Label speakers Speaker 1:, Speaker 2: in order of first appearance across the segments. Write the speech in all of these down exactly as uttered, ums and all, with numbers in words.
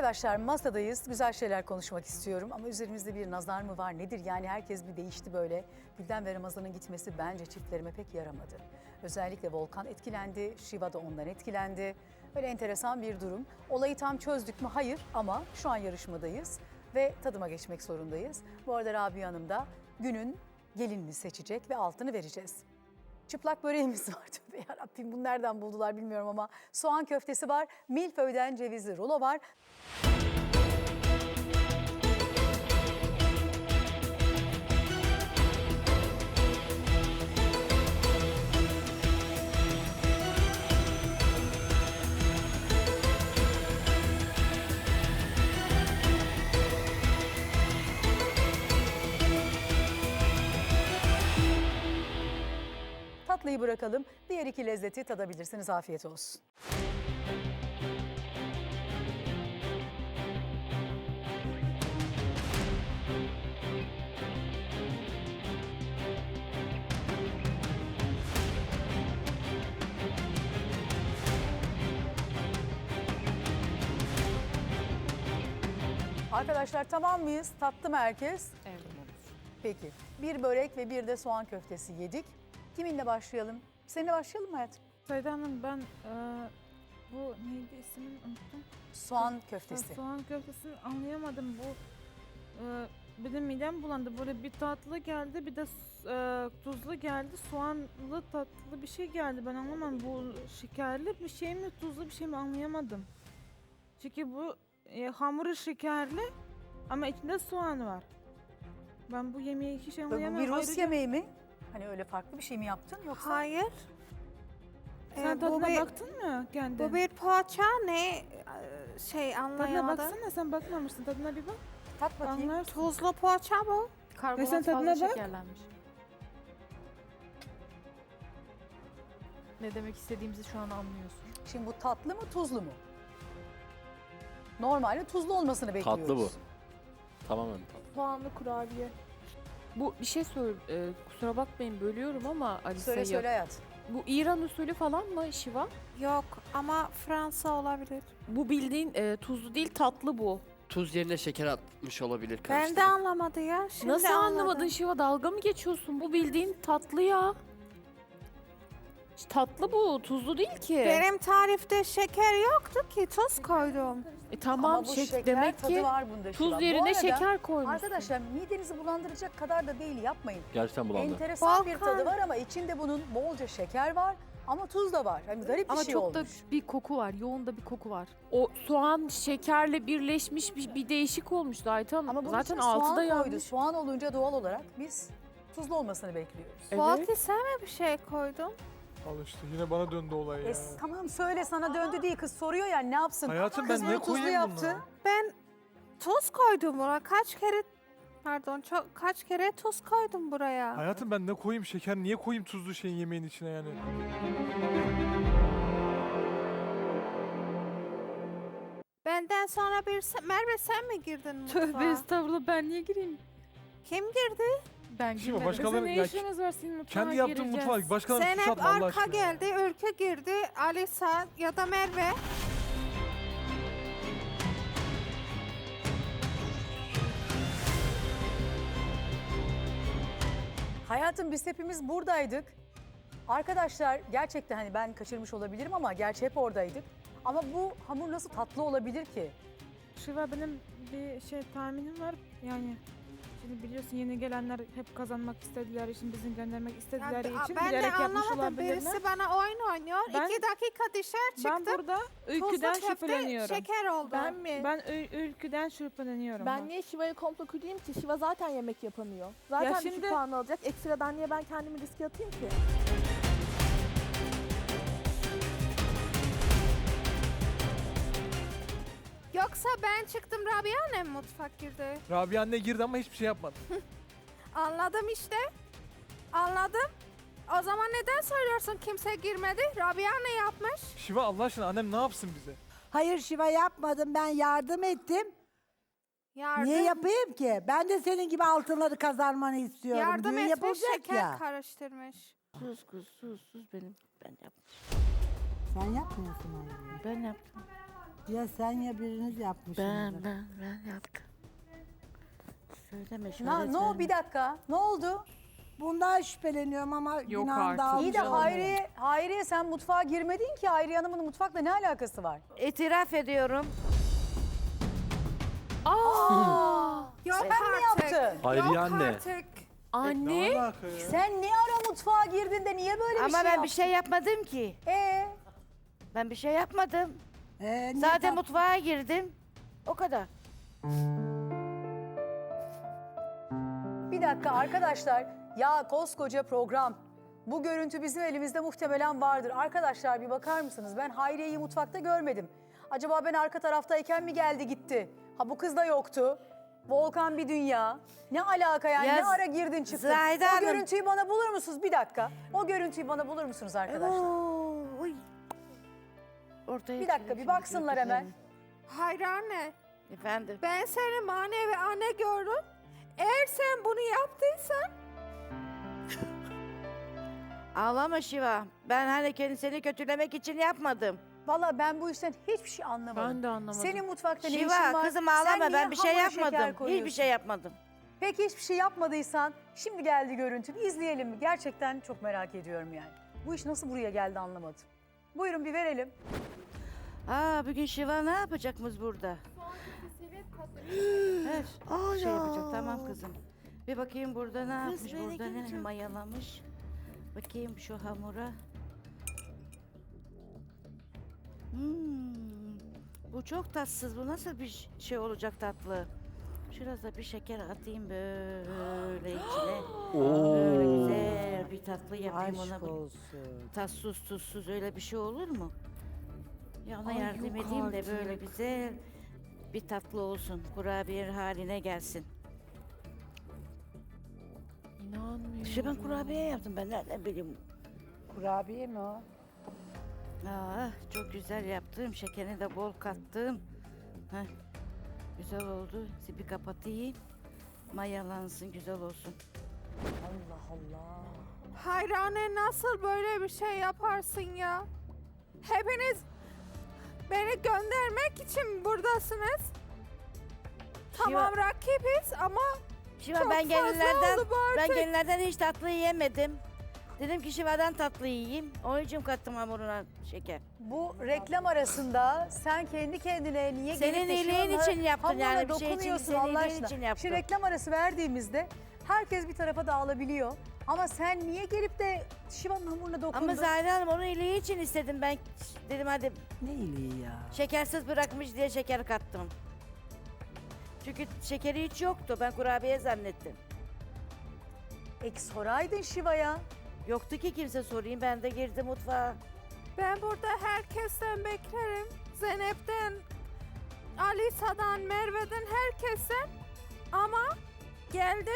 Speaker 1: Arkadaşlar masadayız. Güzel şeyler konuşmak istiyorum ama üzerimizde bir nazar mı var nedir? Yani herkes bir değişti böyle. Gülden ve Ramazan'ın gitmesi bence çiftlerime pek yaramadı. Özellikle Volkan etkilendi, Şiva da ondan etkilendi. Böyle enteresan bir durum. Olayı tam çözdük mü? Hayır ama şu an yarışmadayız ve tadıma geçmek zorundayız. Bu arada Rabia Hanım da günün gelinini seçecek ve altını vereceğiz. Çıplak böreğimiz var. Tövbe yarabbim bunu nereden buldular bilmiyorum ama soğan köftesi var. Milföy'den cevizli rulo var. Tatlıyı bırakalım. Diğer iki lezzeti tadabilirsiniz. Afiyet olsun. Arkadaşlar tamam mıyız? Tattı mı herkes?
Speaker 2: Evet.
Speaker 1: Peki. Bir börek ve bir de soğan köftesi yedik. Kiminle başlayalım? Seninle başlayalım mı hayatım?
Speaker 3: Sayda Hanım ben e, bu neydi ismini unuttum.
Speaker 1: Soğan köftesi.
Speaker 3: Soğan köftesini anlayamadım. Bu e, benim midem bulandı. Böyle bir tatlı geldi bir de e, tuzlu geldi. Soğanlı tatlı bir şey geldi. Ben anlamadım. Bu şekerli bir şey mi tuzlu bir şey mi anlayamadım. Çünkü bu e, hamuru şekerli ama içinde soğan var. Ben bu yemeği hiç
Speaker 1: Bu
Speaker 3: anlayamadım.
Speaker 1: bir Rus
Speaker 3: Ayrıca-
Speaker 1: yemeği mi? Hani öyle farklı bir şey mi yaptın yoksa?
Speaker 4: Hayır.
Speaker 3: Sen
Speaker 4: Ee,
Speaker 3: tadına
Speaker 4: bu bir,
Speaker 3: baktın mı kendin?
Speaker 4: bu bir poğaça ne Ee, şey
Speaker 3: Tadına
Speaker 4: anlayamadım.
Speaker 3: baksana sen bakmamışsın. Tadına bir bak.
Speaker 1: Tat bakayım.
Speaker 3: Anlarsın.
Speaker 4: Tuzlu poğaça bu.
Speaker 3: Ve sen
Speaker 2: Karbonat
Speaker 3: tadına
Speaker 2: fazla
Speaker 3: bak.
Speaker 2: şekerlenmiş. Ne demek istediğimizi şu an anlıyorsun.
Speaker 1: Şimdi bu tatlı mı tuzlu mu? Normalde tuzlu olmasını bekliyoruz.
Speaker 5: Tatlı bu. Tamamen tatlı.
Speaker 2: Soğanlı kurabiye. Bu bir şey söyle, e, kusura bakmayın bölüyorum ama Alisa
Speaker 1: Söyle söyle hayat.
Speaker 2: Bu İran usulü falan mı Şiva?
Speaker 4: Yok ama Fransa olabilir.
Speaker 2: Bu bildiğin e, tuzlu değil tatlı bu.
Speaker 5: Tuz yerine şeker atmış olabilir.
Speaker 4: Ben de
Speaker 5: karıştırıp.
Speaker 4: anlamadı ya. Şimdi
Speaker 2: Nasıl
Speaker 4: anladım.
Speaker 2: anlamadın Şiva, dalga mı geçiyorsun? Bu bildiğin tatlı ya. Tatlı bu, tuzlu değil ki.
Speaker 4: Benim tarifte şeker yoktu ki tuz koydum.
Speaker 2: E tamam,
Speaker 1: Ama bu
Speaker 2: şek-
Speaker 1: şeker
Speaker 2: demek
Speaker 1: tadı
Speaker 2: ki
Speaker 1: var bunda Şiva.
Speaker 2: tuz
Speaker 1: Bu
Speaker 2: yerine
Speaker 1: arada
Speaker 2: şeker koymuşsun.
Speaker 1: Arkadaşlar midenizi bulandıracak kadar da değil yapmayın.
Speaker 5: Gerçekten bulandı.
Speaker 1: Enteresan bir
Speaker 4: Volkan.
Speaker 1: tadı var ama içinde bunun bolca şeker var ama tuz da var. Hani garip bir
Speaker 6: Ama
Speaker 1: şey
Speaker 6: çok
Speaker 1: olmuş.
Speaker 6: da bir koku var. Yoğun da bir koku var.
Speaker 2: O soğan şekerle birleşmiş bir, bir değişik olmuştu Ayten Hanım.
Speaker 1: Ama bunun
Speaker 2: Zaten
Speaker 1: içine
Speaker 2: altı da
Speaker 1: soğan koydu.
Speaker 2: yanmış.
Speaker 1: Soğan olunca doğal olarak biz tuzlu olmasını bekliyoruz.
Speaker 2: Evet.
Speaker 4: Fatih sen mi bir şey koydun?
Speaker 7: Al işte yine bana döndü olay ya.
Speaker 1: E, tamam söyle sana döndü değil kız soruyor ya ne yapsın?
Speaker 7: Hayatım
Speaker 1: Kız
Speaker 7: ben
Speaker 1: bunu
Speaker 7: ne
Speaker 1: tuzlu
Speaker 7: koyayım
Speaker 1: yaptı.
Speaker 7: buna?
Speaker 4: Ben tuz koydum buna. Kaç kere pardon çok kaç kere tuz koydum buraya.
Speaker 7: Hayatım ben ne koyayım? Şeker niye koyayım tuzlu şeyin yemeğin içine yani?
Speaker 4: Benden sonra bir se- Merve sen mi girdin mutfağa?
Speaker 3: Tövbe estağfurullah ben niye gireyim?
Speaker 4: Kim girdi?
Speaker 6: Ben
Speaker 7: Şimdi
Speaker 6: girmedim.
Speaker 7: başkaları
Speaker 3: Bizim ne
Speaker 7: ya,
Speaker 3: işimiz var senin mutfağa
Speaker 7: kendi yaptığın
Speaker 3: gireceğiz.
Speaker 7: mutfağa başkalarına suç
Speaker 4: Zeynep
Speaker 7: atma Allah
Speaker 4: arka
Speaker 7: aşkına.
Speaker 4: geldi, Ülkü girdi, Alisa ya da Merve.
Speaker 1: Hayatım biz hepimiz buradaydık. Arkadaşlar gerçekten hani ben kaçırmış olabilirim ama gerçi hep oradaydık. Ama bu hamur nasıl tatlı olabilir ki?
Speaker 3: Şiva benim bir şey tahminim var. Yani şimdi biliyorsun yeni gelenler hep kazanmak istediler için, bizi göndermek istedikleri
Speaker 4: Ya,
Speaker 3: için
Speaker 4: ben de
Speaker 3: bilerek yapmış
Speaker 4: anlamadım.
Speaker 3: olabilirler.
Speaker 4: Birisi bana oyun oynuyor.
Speaker 3: Ben-
Speaker 4: İki dakika dışarı
Speaker 3: Ben
Speaker 4: çıktım.
Speaker 3: burada
Speaker 4: Tuzlu
Speaker 3: Ülkü'den
Speaker 4: köfte
Speaker 3: şüpheleniyorum.
Speaker 4: şeker oldu.
Speaker 8: Ben mi?
Speaker 3: Ben Ül- Ülkü'den şüpheleniyorum.
Speaker 8: Ben
Speaker 3: bak.
Speaker 8: niye Şiva'ya komplo kurayım ki? Şiva zaten yemek yapamıyor. Zaten
Speaker 3: Ya
Speaker 8: düşük
Speaker 3: şimdi-
Speaker 8: puan alacak. Ekstradan niye ben kendimi riske atayım ki?
Speaker 4: Yoksa ben çıktım Rabia annem mutfak girdi.
Speaker 7: Rabia anne girdi ama hiçbir şey yapmadı.
Speaker 4: Anladım işte. Anladım. O zaman neden söylüyorsun kimse girmedi? Rabia ne yapmış?
Speaker 7: Şiva Allah aşkına annem ne yapsın bize?
Speaker 9: Hayır Şiva yapmadım. Ben yardım ettim.
Speaker 4: Yardım,
Speaker 9: Niye yapayım ki? Ben de senin gibi altınları kazanmanı istiyorum.
Speaker 4: yardım
Speaker 9: Düğün
Speaker 4: etmiş,
Speaker 9: yapılacak
Speaker 4: şeker
Speaker 9: ya.
Speaker 4: karıştırmış.
Speaker 2: Sus kız sus sus benim. Ben yaptım.
Speaker 9: Sen yapmıyorsun onu.
Speaker 2: Ben yaptım.
Speaker 9: Ya sen ya biriniz yapmışsınız.
Speaker 10: Ben ben ben yaptım. Söyleme
Speaker 1: Na,
Speaker 10: şöyle.
Speaker 1: ne o bir dakika. Ne oldu?
Speaker 9: Bundan şüpheleniyorum ama
Speaker 2: Yok
Speaker 9: günahım
Speaker 2: artık.
Speaker 9: dağılmış
Speaker 1: İyi de
Speaker 9: olmuyor.
Speaker 1: Hayriye, Hayriye sen mutfağa girmedin ki. Hayriye Hanım'ın mutfakla ne alakası var?
Speaker 10: İtiraf ediyorum.
Speaker 1: Aa,
Speaker 4: Yok
Speaker 1: sen mi
Speaker 4: artık.
Speaker 1: yaptın?
Speaker 11: Hayriye
Speaker 4: Yok
Speaker 11: anne.
Speaker 4: artık.
Speaker 2: Anne.
Speaker 7: Ne alaka ya?
Speaker 1: Sen ne ara mutfağa girdin de niye böyle bir
Speaker 10: Ama
Speaker 1: şey
Speaker 10: ben
Speaker 1: yaptın?
Speaker 10: bir şey yapmadım ki.
Speaker 1: Ee,
Speaker 10: Ben bir şey yapmadım.
Speaker 9: Ee, niye
Speaker 10: Zaten
Speaker 9: tam-
Speaker 10: mutfağa girdim. O kadar.
Speaker 1: bir dakika arkadaşlar. Ya koskoca program. Bu görüntü bizim elimizde muhtemelen vardır. Arkadaşlar bir bakar mısınız? Ben Hayriye'yi mutfakta görmedim. Acaba ben arka taraftayken mi geldi gitti? Ha bu kız da yoktu. Volkan bir dünya. Ne alaka yani?
Speaker 10: Ya
Speaker 1: ne ara girdin çıktın?
Speaker 10: Zahide
Speaker 1: o
Speaker 10: Hanım-
Speaker 1: görüntüyü bana bulur musunuz? Bir dakika. O görüntüyü bana bulur musunuz arkadaşlar?
Speaker 10: Oo, uy. Ortaya
Speaker 1: Bir dakika
Speaker 10: çıkıyor
Speaker 1: bir
Speaker 10: şimdi
Speaker 1: baksınlar hemen.
Speaker 10: gördüklerim.
Speaker 4: Hayır anne.
Speaker 10: Efendim.
Speaker 4: Ben seni manevi anne gördüm. Eğer sen bunu yaptıysan
Speaker 10: Ağlama Şiva. Ben hani kendi seni kötülemek için yapmadım.
Speaker 1: Vallahi ben bu işten hiçbir şey anlamadım.
Speaker 2: Ben de anlamadım.
Speaker 1: Senin mutfakta ne işin
Speaker 10: Şiva
Speaker 1: var?
Speaker 10: kızım
Speaker 1: Sen
Speaker 10: ağlama
Speaker 1: niye
Speaker 10: ben bir şey
Speaker 1: hamura şeker
Speaker 10: yapmadım.
Speaker 1: koyuyorsun?
Speaker 10: Hiçbir şey yapmadım.
Speaker 1: Peki hiçbir şey yapmadıysan şimdi geldi görüntü. Bir izleyelim mi? Gerçekten çok merak ediyorum yani. Bu iş nasıl buraya geldi anlamadım. Buyurun bir verelim.
Speaker 10: Aa bugün Şiva ne yapacakmış burada? Evet. Şey yapacak tamam kızım. Bir bakayım burada ne
Speaker 8: Kız
Speaker 10: yapmış
Speaker 8: beni
Speaker 10: burada ne
Speaker 8: görecek.
Speaker 10: mayalamış. Bakayım şu hamura. Hmm, bu çok tatsız. Bu nasıl bir şey olacak tatlı? Şurada bir şeker atayım böyle içine. Böyle güzel bir tatlı yapayım ona.
Speaker 9: Aşk
Speaker 10: bir-
Speaker 9: olsun.
Speaker 10: Tatsız tuzsuz öyle bir şey olur mu? Ya ona
Speaker 2: Ay,
Speaker 10: yardım
Speaker 2: yok
Speaker 10: edeyim de böyle
Speaker 2: artık.
Speaker 10: güzel bir tatlı olsun. Kurabiye haline gelsin.
Speaker 2: İnanmıyorum.
Speaker 10: İşte ben kurabiye yaptım. Ben nereden bileyim?
Speaker 9: Kurabiye mi o?
Speaker 10: Aa, çok güzel yaptım. Şekerini de bol kattım. Heh, güzel oldu. Bir kapatayım. Mayalansın, güzel olsun.
Speaker 1: Allah Allah.
Speaker 4: hayır anne nasıl böyle bir şey yaparsın ya? Hepiniz beni göndermek için buradasınız. Tamam rakibiz ama
Speaker 10: Şiva
Speaker 4: çok
Speaker 10: ben
Speaker 4: fazla
Speaker 10: gelinlerden
Speaker 4: oldu bu
Speaker 10: ben
Speaker 4: artık.
Speaker 10: gelinlerden hiç tatlı yiyemedim. Dedim ki Şiva'dan tatlı yiyeyim. Onun için kattım hamuruna şeker.
Speaker 1: Bu reklam arasında sen kendi kendine niye
Speaker 10: Senin
Speaker 1: gelip de
Speaker 10: iyiliğin
Speaker 1: şuna-
Speaker 10: için yaptın
Speaker 1: hamuruna
Speaker 10: yani, bir şey için,
Speaker 1: dokunuyorsun
Speaker 10: senin
Speaker 1: Allah
Speaker 10: iyiliğin
Speaker 1: aşkına.
Speaker 10: için yaptım.
Speaker 1: Şimdi reklam arası verdiğimizde herkes bir tarafa dağılabiliyor. Ama sen niye gelip de Şiva'nın hamuruna dokundun?
Speaker 10: Ama Zahide Hanım onun iyiliği için istedim. Ben dedim hadi
Speaker 9: Ne iyiliği ya.
Speaker 10: şekersiz bırakmış diye şeker kattım. Çünkü şekeri hiç yoktu. Ben kurabiye zannettim.
Speaker 1: E soraydın Şiva'ya.
Speaker 10: Yoktu ki kimse sorayım. Ben de girdim mutfağa.
Speaker 4: ben burada herkesten beklerim. Zeynep'ten, Alisa'dan, Merve'den herkesten. Ama geldi.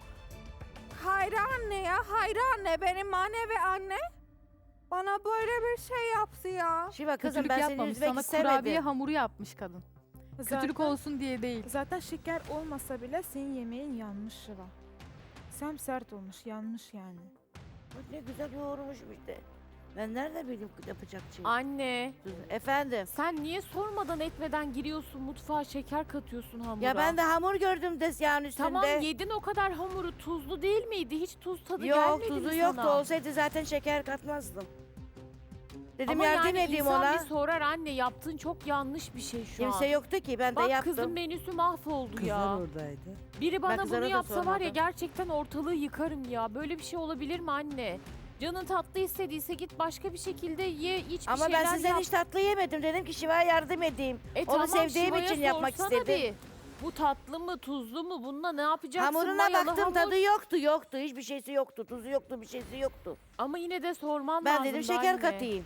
Speaker 4: Hayri anne ya, Hayri anne benim manevi anne. Bana böyle bir şey yaptı ya.
Speaker 10: Şiva kızım
Speaker 6: Kötülük
Speaker 10: ben seni
Speaker 6: yapmamış.
Speaker 10: üzmek
Speaker 6: Sana kurabiye
Speaker 10: istemedim.
Speaker 6: hamuru yapmış kadın. Kötülük
Speaker 3: Zaten-
Speaker 6: olsun diye değil.
Speaker 3: Zaten şeker olmasa bile senin yemeğin yanmış Şiva. Sem sert olmuş, yanmış yani.
Speaker 10: Bak ne güzel yoğurmuşum işte. Ben nerede bileyim yapacak şey.
Speaker 2: Anne.
Speaker 10: Efendim.
Speaker 2: Sen niye sormadan etmeden giriyorsun mutfağa şeker katıyorsun hamura?
Speaker 10: Ya ben de hamur gördüm tezgahın üstünde.
Speaker 2: Tamam yedin o kadar hamuru tuzlu değil miydi? Hiç tuz tadı
Speaker 10: Yok
Speaker 2: gelmedi
Speaker 10: tuzu
Speaker 2: mi
Speaker 10: yoktu.
Speaker 2: sana?
Speaker 10: Olsaydı zaten şeker katmazdım. Dedim
Speaker 2: Ama
Speaker 10: yardım
Speaker 2: yani
Speaker 10: edeyim
Speaker 2: insan
Speaker 10: ona.
Speaker 2: bir sorar anne yaptığın çok yanlış bir şey şu
Speaker 10: Kimse
Speaker 2: an.
Speaker 10: yoktu ki ben de
Speaker 2: Bak
Speaker 10: yaptım.
Speaker 2: kızın menüsü mahvoldu
Speaker 9: Kızlar
Speaker 2: ya.
Speaker 9: oradaydı.
Speaker 2: Biri bana
Speaker 10: kızlara
Speaker 2: bunu
Speaker 10: da
Speaker 2: yapsa var ya
Speaker 10: sormadım.
Speaker 2: gerçekten ortalığı yıkarım ya. Böyle bir şey olabilir mi anne? Canın tatlı istediyse git başka bir şekilde ye, iç bir
Speaker 10: Ama
Speaker 2: şeyler
Speaker 10: ben sizden
Speaker 2: yap.
Speaker 10: hiç tatlı yemedim. Dedim ki Şiva'ya yardım edeyim.
Speaker 2: E
Speaker 10: Onu
Speaker 2: tamam,
Speaker 10: sevdiğim
Speaker 2: Şiva'ya
Speaker 10: için yapmak
Speaker 2: sorsana
Speaker 10: istedim.
Speaker 2: bir. Bu tatlı mı tuzlu mu bununla ne yapacaksın?
Speaker 10: Hamuruna
Speaker 2: Mayalı
Speaker 10: baktım
Speaker 2: hamur.
Speaker 10: tadı yoktu yoktu. Hiçbir şeysi yoktu. Tuzu yoktu bir şeysi yoktu.
Speaker 2: Ama yine de sorman
Speaker 10: Ben
Speaker 2: lazım
Speaker 10: dedim şeker
Speaker 2: anne.
Speaker 10: katayım.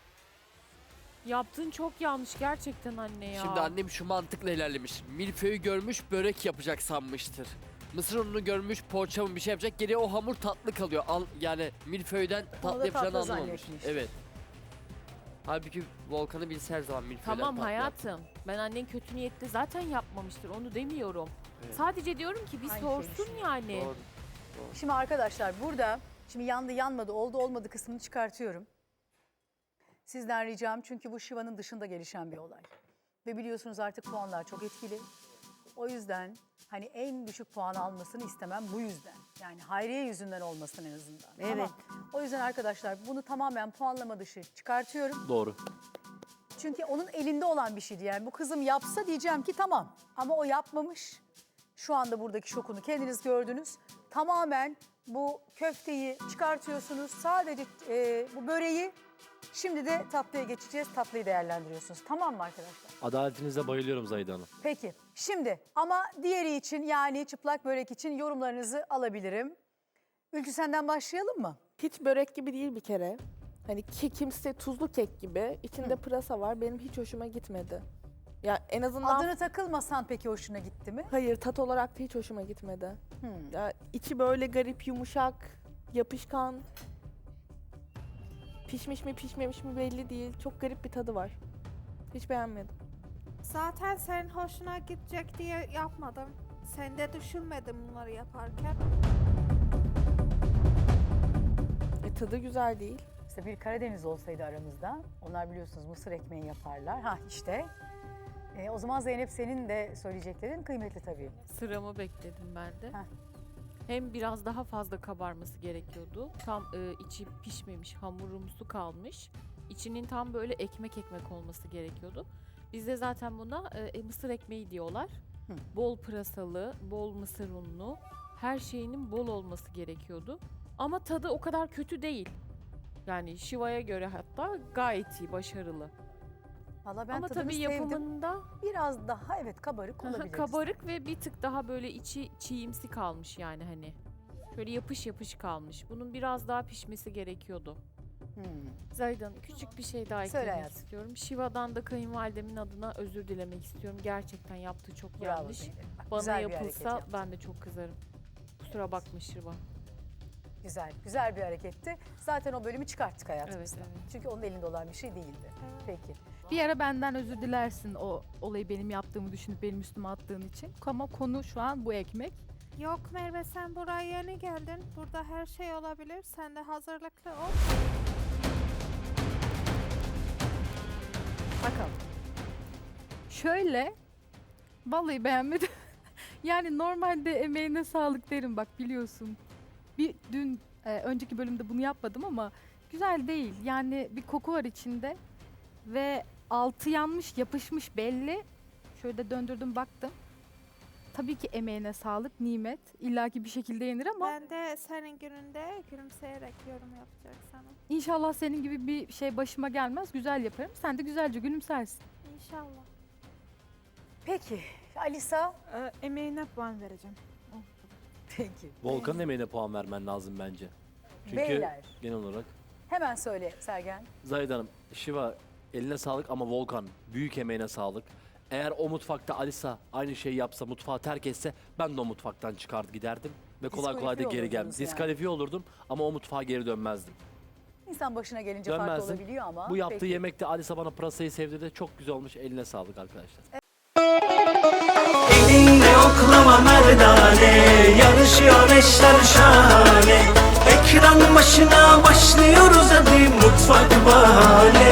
Speaker 2: Yaptığın çok yanlış gerçekten anne ya.
Speaker 5: Şimdi annem şu mantıkla ilerlemiş. Milföyü görmüş börek yapacak sanmıştır. Mısır ununu görmüş poğaça mı bir şey yapacak. Geriye o hamur tatlı kalıyor. Al, yani milföyden tatlı
Speaker 1: da
Speaker 5: yapacağını
Speaker 1: tatlı
Speaker 5: anlamamış.
Speaker 1: zannetmiş.
Speaker 5: Evet. Halbuki Volkan'ı bilse her zaman milföyden
Speaker 2: Tamam
Speaker 5: tatlı yap.
Speaker 2: hayatım. Ben annen kötü niyetli zaten yapmamıştır. Onu demiyorum.
Speaker 5: Evet.
Speaker 2: Sadece diyorum ki bir
Speaker 1: Aynı şeyi
Speaker 2: sorsun
Speaker 1: düşünüyorum.
Speaker 2: yani.
Speaker 5: Doğru.
Speaker 1: Şimdi arkadaşlar burada şimdi yandı yanmadı oldu olmadı kısmını çıkartıyorum. Sizden ricam çünkü bu Şiva'nın dışında gelişen bir olay. Ve biliyorsunuz artık puanlar çok etkili. O yüzden hani en düşük puan almasını istemem bu yüzden. Yani Hayriye yüzünden olmasın en azından.
Speaker 10: Evet.
Speaker 1: Ama o yüzden arkadaşlar bunu tamamen puanlama dışı çıkartıyorum.
Speaker 11: Doğru.
Speaker 1: Çünkü onun elinde olan bir şeydi. Yani bu kızım yapsa diyeceğim ki tamam. Ama o yapmamış. Şu anda buradaki şokunu kendiniz gördünüz. Tamamen bu köfteyi çıkartıyorsunuz. Sadece e, bu böreği. Şimdi de tatlıya geçeceğiz. Tatlıyı değerlendiriyorsunuz. Tamam mı arkadaşlar?
Speaker 11: Adaletinize bayılıyorum Zahide Hanım.
Speaker 1: Peki. Şimdi ama diğeri için yani çıplak börek için yorumlarınızı alabilirim. Ülkü senden başlayalım mı?
Speaker 8: Hiç börek gibi değil bir kere. Hani ki kimse tuzlu kek gibi. İçinde pırasa var. Benim hiç hoşuma gitmedi. Ya en azından
Speaker 1: Adını takılmasan peki hoşuna gitti mi?
Speaker 8: hayır, tat olarak da hiç hoşuma gitmedi.
Speaker 1: Hmm.
Speaker 8: Ya içi böyle garip, yumuşak, yapışkan. Pişmiş mi pişmemiş mi belli değil. Çok garip bir tadı var. Hiç beğenmedim.
Speaker 4: Zaten senin hoşuna gidecek diye yapmadım. Sen de düşünmedim bunları yaparken.
Speaker 8: E, tadı güzel değil.
Speaker 1: İşte bir Karadeniz olsaydı aramızda, onlar biliyorsunuz mısır ekmeği yaparlar. Ha işte. E, o zaman Zeynep senin de söyleyeceklerin kıymetli tabii.
Speaker 2: Sıramı bekledim ben de.
Speaker 1: Heh.
Speaker 2: Hem biraz daha fazla kabarması gerekiyordu. Tam e, içi pişmemiş, hamurumsu kalmış. İçinin tam böyle ekmek ekmek olması gerekiyordu. Bizde zaten buna e, mısır ekmeği diyorlar.
Speaker 1: Hı.
Speaker 2: Bol pırasalı, bol mısır unlu, her şeyinin bol olması gerekiyordu. Ama tadı o kadar kötü değil. Yani Şiva'ya göre hatta gayet iyi, başarılı.
Speaker 1: Valla ben
Speaker 2: Ama
Speaker 1: tadını
Speaker 2: tabii
Speaker 1: sevdim.
Speaker 2: yapımında
Speaker 1: Biraz daha evet kabarık olabilir.
Speaker 2: kabarık ve bir tık daha böyle içi çiğimsi kalmış yani hani. Şöyle yapış yapış kalmış. Bunun biraz daha pişmesi gerekiyordu.
Speaker 1: Hmm.
Speaker 2: Zahide Hanım, küçük bir şey daha
Speaker 1: Söyle
Speaker 2: eklemek
Speaker 1: hayatım.
Speaker 2: istiyorum. Şiva'dan da kayınvalidemin adına özür dilemek istiyorum. Gerçekten yaptığı çok
Speaker 1: Bravo
Speaker 2: yanlış.
Speaker 1: Zeynep. Bak,
Speaker 2: Bana
Speaker 1: güzel bir hareket
Speaker 2: yapılsa
Speaker 1: yaptın.
Speaker 2: ben de çok kızarım. Kusura bakma Şiva.
Speaker 1: Güzel, güzel bir hareketti. Zaten o bölümü çıkarttık hayatımızdan.
Speaker 2: Evet, evet.
Speaker 1: Çünkü onun elinde olan bir şey değildi. Peki.
Speaker 6: Bir ara benden özür dilersin o olayı benim yaptığımı düşünüp benim üstüme attığın için. Ama konu şu an bu ekmek.
Speaker 4: Yok Merve, sen buraya yeni geldin. Burada her şey olabilir. Sen de hazırlıklı ol.
Speaker 6: Bakalım. Şöyle, vallahi beğenmedim. Yani normalde emeğine sağlık derim bak biliyorsun. Bir dün e, önceki bölümde bunu yapmadım ama güzel değil. Yani bir koku var içinde ve altı yanmış, yapışmış belli. Şöyle de döndürdüm baktım. Tabii ki emeğine sağlık, nimet. İlla ki bir şekilde yenir ama
Speaker 4: Ben de senin gününde gülümseyerek yorum yapacak sana.
Speaker 6: inşallah senin gibi bir şey başıma gelmez. Güzel yaparım. Sen de güzelce gülümsersin.
Speaker 4: İnşallah.
Speaker 1: Peki. Alisa.
Speaker 3: Ee, emeğine puan vereceğim.
Speaker 1: Peki.
Speaker 11: Volkan'ın emeğine puan vermen lazım bence. Çünkü
Speaker 1: Beyler.
Speaker 11: genel olarak.
Speaker 1: Hemen söyle Sergen.
Speaker 11: Zahide Hanım, Şiva eline sağlık ama Volkan büyük emeğine sağlık. Eğer o mutfakta Alisa aynı şeyi yapsa, mutfağı terk etse ben de o mutfaktan çıkar giderdim. Ve kolay kolay da
Speaker 1: Diskalifiye
Speaker 11: geri gelmem.
Speaker 1: olurdunuz yani.
Speaker 11: Diskalifiye olurdum ama o mutfağa geri dönmezdim.
Speaker 1: İnsan başına gelince farklı
Speaker 11: Dönmezdim.
Speaker 1: olabiliyor ama.
Speaker 11: Bu yaptığı
Speaker 1: peki.
Speaker 11: yemekte Alisa bana pırasayı sevdirdi. Çok güzel olmuş. Eline sağlık arkadaşlar.
Speaker 12: Elinle oklama merdane, yarışıyor eşler şahane. Ekran başına başlıyoruz hadi mutfak bahane.